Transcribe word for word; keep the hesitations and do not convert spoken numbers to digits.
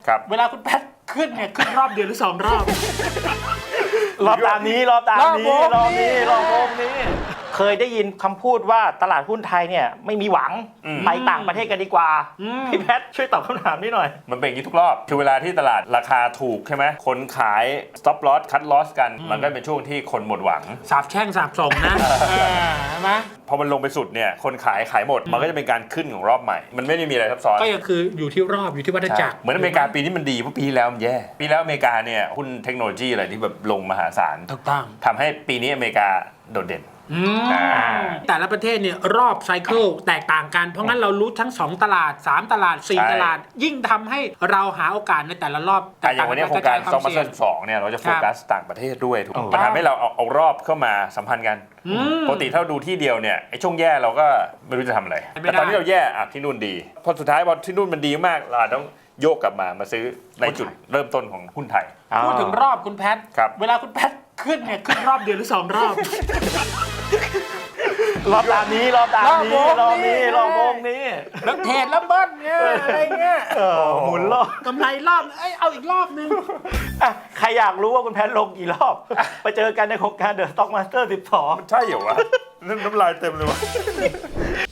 เวลาคุณแพทขึ้นเนี่ยขึ้นรอบเดียวหรือสองรอบรอบตามนี้รอบตามนี้รอบนี้รอบโมงนี้เคยได้ยินคำพูดว่าตลาดหุ้นไทยเนี่ยไม่มีหวังไปต่างประเทศกันดีกว่าพี่แพทช่วยตอบคำถามนี้หน่อยมันเป็นอย่างนี้ทุกรอบคือเวลาที่ตลาดราคาถูกใช่ไหมคนขาย stop loss cut loss กันมันก็เป็นช่วงที่คนหมดหวังสาบแช่งสาบส่งนะใช่ไหมพอมันลงไปสุดเนี่ยคนขายขายหมดมันก็จะเป็นการขึ้นของรอบใหม่มันไม่ได้มีอะไรซับซ้อนก็ยังคืออยู่ที่รอบอยู่ที่วัฏจักรเหมือนอเมริกาปีนี้มันดีเพราะปีที่แล้วมันแย่ปีแล้วอเมริกาเนี่ยหุ้นเทคโนโลยีอะไรที่แบบลงมหาศาลถูกต้องทำให้ปีนี้อเมริกาโดดเด่นแต่ละประเทศเนี่ยรอบไซเคิลแตกต่างกันเพราะงั้นเรารู้ทั้งสองตลาดสามตลาดสี่ตลาดยิ่งทำให้เราหาโอกาสในแต่ละรอบแต่อย่างวันนี้โครงการสองพันสิบสองเนี่ยเราจะโฟกัสต่างประเทศด้วยถูกมันทำให้เราเอาเอารอบเข้ามาสัมพันธ์กันปกติถ้าเราดูที่เดียวเนี่ยไอ้ช่วงแย่เราก็ไม่รู้จะทำอะไรแต่ตอนนี้เราแย่อ่ะที่นู่นดีพอสุดท้ายพอที่นู่นมันดีมากเราต้องโยกกลับมามาซื้อในจุดเริ่มต้นของหุ้นไทยพูดถึงรอบคุณแพทเวลาคุณแพทขึ้นเนี่ยขึ้นรอบเดียวหรือสองรอบรอบตามนี้รอบตามนี้รอบนี้รอบโมงนี้แล้วเทรดแล้วเบิ้ลเงี้ยอะไรเงี้ยหมุนรอบกำไรรอบเอ้ยเอาอีกรอบนึงใครอยากรู้ว่าคุณแพทลงกี่รอบไปเจอกันในโครงการ The Stock Master สิบสองใช่เหรอวะน้ำลายเต็มเลยวะ